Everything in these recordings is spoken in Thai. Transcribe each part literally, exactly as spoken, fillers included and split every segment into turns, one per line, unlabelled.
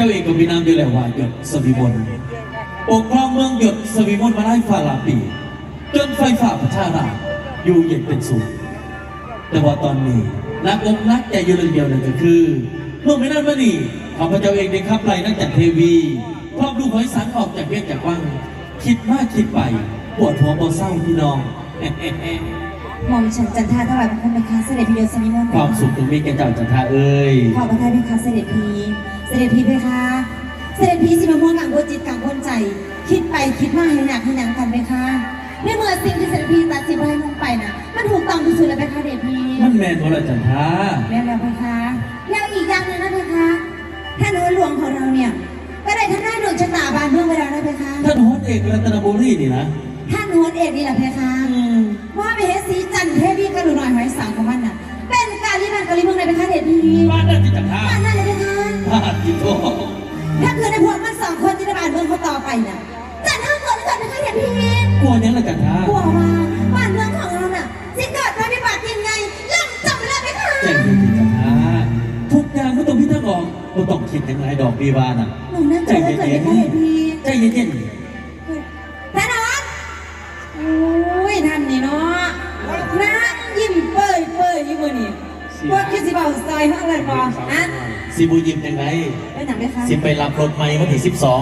จ้าเองก็มีนามอยู่แล้วว่าหยดสวิมลปกครองเมืองหยดสวิมลมาได้ฝ่าหลายปีจนไฟฝ่าประชาราษฎร์อยู่เย็นเป็นสุขแต่ว่าตอนนี้นักอกนักใจอยู่เรื่องเดียวนั่นก็คือเมื่อไม่นานมานี้ข้าพเจ้าเองได้ขับไล่นักจัดเทวีพร้อมดูหอยสังออกจากเวียนจากวังคิดมากคิดไปปวดหัวปวดเศร้าพี่น้อง
หม่อมฉันจันทาถวายบังคมเป็นคาเสด็จพีเดียวสมิมน
ความสุขตรงนี้แกเจ้าจันทาเอ้ย
ขอพระทัยเป็นคาเสด็จพีเสด็จพีเพคะเสด็จพีสิมาม่วงกังวลจิตกังวลใจคิดไปคิดมาให้หนักให้หนักกันเพคะในเมื่อสิ่งที่เสด็จพีตัดสินให้ลงไปน่ะมันถูกต้องที่สุดแล้วเพคะเสด็จพี
มันแม่นตัวละจันทา
แม่แล้วเพคะแล้วอีกอย่างหนึ่งนะเพคะท่านโหนหลวงของเราเนี่ยก็ได้ท่านได้ดวงชะตาบานเมืองไปแล้วนะเพคะ
ท่านโหนเอกรัตนบุรีนี่นะ
ท่านโหนเอกนี่แหละเพคะว่าไปเฮสีจันเทวีกระดูหน่อยหอยสังของมันน่ะเป็นการที่มันกะลิเมืองในเพคะเสด็จพี
บ้านนั่นจิตจันทา
บ้านนั่นเลยเพคะ
บ้านจิตโต
ถ้าเกิดในพวกมันสองคนที่ได้บานเมืองเขาต่อไปน่ะจันทาเกิดไม่เกิดเพคะเสด็จพี
กลัวยังละจันทาก
ลัวว่าบ้านเมืองของเราน่ะสิเกิดภัยพิบัติยังไงล่ำจำไม่ได้เพคะ
ใจเย็นๆจันทาทุกอย่างไม่ต้องพิจารณาไม่ต้องคิดถึงไรดอกบีบาน่ะ
หนูนั่งใจเย็นๆ
ใจเย็น
ๆท่านออนโอ้ยท่านนี่เนาะนั่งยิ้มเปื่อยเปื่อยอยู่มือนี่พวกคิดสิบ่าวซอยห้องเลยบอกอ่ะ
สิบูยิ้มยังไง
ไปหนังไหมคะ
สิไปรับรถใหม่วันที่สิบสอง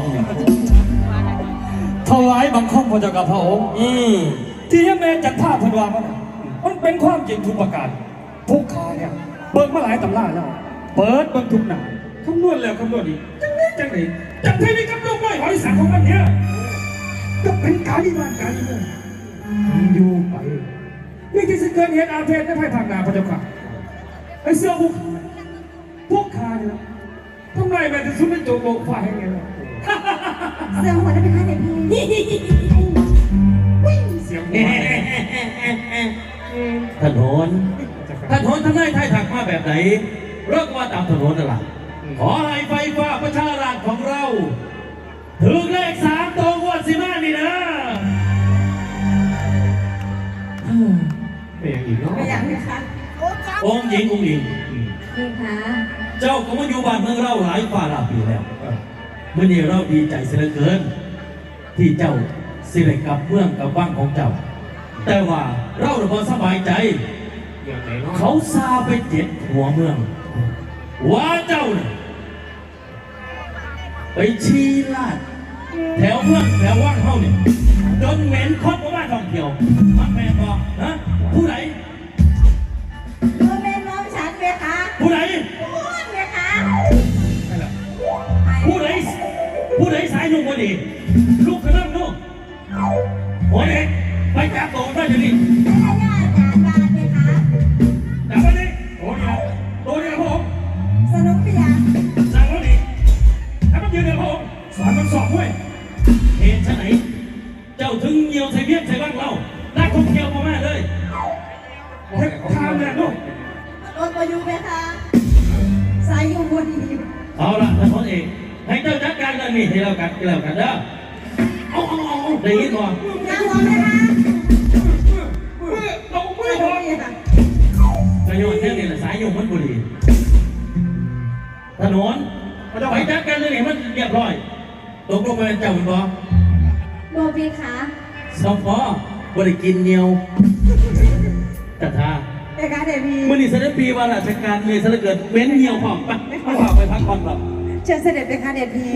ถวายบังคมพระเจ้ากับพระองค์อืมที่แม่จัดท่าพันวามันมันเป็นความจริงทุกประการพวกข้าเนี่ยเบิกมาหลายตำราแล้วเปิดเบิกทุกหนาคำนวณแล้วคำนวณอีกจังนี้จังไหนจังเทวีกับลูกน้อยหอยสังของมันเนี่ยก็เป็นการที่บ้านการที่เมืองอยู่ไปนี่ที่จะเกิดเหตุอาเพศในภายภาคหน้าพระเจ้าค่ะไอ้เสื้อพวกพวกข้าเนี่ยทำไมแม่จะสุดเป็นโจโลกฝ่ายไงล่ะ
เสียงหัวได้เป็นใครเนี่ยพี่
เสียงหัว
ถนนถนนทำได้ไทยถักมาแบบไหนเริ่มว่าตามถนนนั่นแหละขอให้ไฟฟ้าประชาราษฎร์ของเราถึงเลขสามตัวงวดสิมานี่นะ
เป็นอย่างอีกเนาะ
เป็นอย่างนี้ค่ะ
องค์หญิงองค์หญิง
นี่ค่ะ
เจ้าก็มาอยู่บ้านเมืองเราหลายฝ่าหลายปีแล้วเมื่อนี้เราดีใจเสียเหลือเกินที่เจ้าสิได้กลับเมืองกับบ้านของเจ้าแต่ว่าเราเราพอสบายใจเขาซาไปเจ็ดหัวเมืองว่าเจ้าเนี่ยไปชี้ลาดแถวเมืองแถวว่างเฮ้าเนี่ยจนเหม็นคดว่าท่องเที่ยวมันแม่บอกนะผู้ใด
ตัวเป็นน้องฉันไหมคะ
ผู้ใด
พูดไหมคะ
ผู้ใดผู้ใดสายยุ่งพอดีลูกกระนั่งลูกโอ้ยไปจับตัวได้ยังไงจับไปดิโอ้ยตัวเดียวผม
สนุกไปยัง
สั่งแล้วดิให้มันยืนเดียวผมสอนมันสอบด้วยเหตุไหนเจ้าถึงเยี่ยวใส่เบี้ยใส่บ้างเราได้คงเกี่ยวมาแม่เลยเทปทางเนี่ยลูก
รถมาอยู่ไหมคะสายอยู่บนนี้
เอาละท่านพลเอกให้เจ้าจัดการกันนี่ให้เรากันให้เรากันเด้อเอาเอาเอาได้ยินก่อน
น้ำร้อนไหมคะ
เอาไม่พอกระโยนแค่นี้แหละสายโยงมันบุรีถนนไปจัดการเลยนี่มันเรียบร้อยตกลงมาเจ้าเป็นบ่
โบบีคะ
สองพอบริกินเนียวจัดท่า
แต่การเดบี
มื่อนี้เสด็จปีว่าราชการเลยเสด็จเกิดเว้นเหี่ยวหอมไปไม่พาไปพักผ่อนหรอก
เชิญเสด็จไปค่ะเดบี